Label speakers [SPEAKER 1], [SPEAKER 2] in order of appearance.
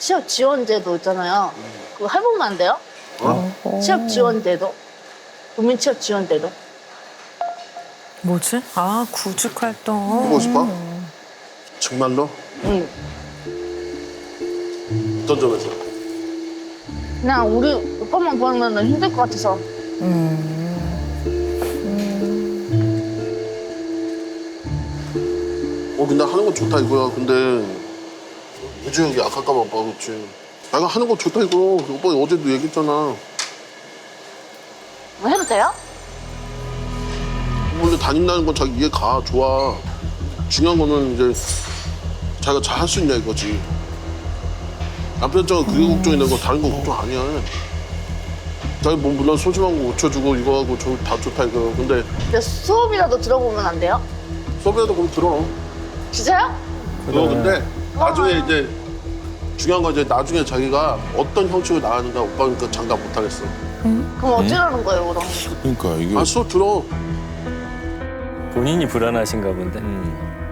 [SPEAKER 1] 취업 지원제도 있잖아요. 그거 해보면 안 돼요? 취업 지원제도. 국민 취업 지원제도.
[SPEAKER 2] 뭐지? 아, 구직 활동.
[SPEAKER 3] 해보고 싶어? 정말로?
[SPEAKER 1] 응.
[SPEAKER 3] 어떤 점에서?
[SPEAKER 1] 그냥 우리 오빠만 보면 힘들 것 같아서.
[SPEAKER 3] 근데 하는 건 좋다 이거야. 근데 무지하게 아까까 봐 그렇지. 내가 하는 거 좋다 이거. 오빠 어제도 얘기했잖아.
[SPEAKER 1] 뭐 해도 돼요?
[SPEAKER 3] 원래 다닌다는 건 자기 이해 가. 좋아. 중요한 거는 이제 자기가 잘 할 수 있냐 이거지. 남편 입장은 그게 걱정이 되고 다른 거 걱정 아니야. 자기 뭐 물론 소심한 거 고쳐주고 이거 하고 다 좋다 이거. 근데
[SPEAKER 1] 근데 수업이라도 들어보면 안 돼요?
[SPEAKER 3] 수업이라도 그럼 들어.
[SPEAKER 1] 진짜요?
[SPEAKER 3] 그거 근데 나중에 이제 중요한 건 이제 나중에 자기가 어떤 형식으로 나가는가 오빠는 그 장담 못 하겠어.
[SPEAKER 1] 그럼 어쩌라는 거예요, 그럼?
[SPEAKER 4] 그러니까 이게
[SPEAKER 3] 수업 들어.
[SPEAKER 5] 본인이 불안하신가 본데.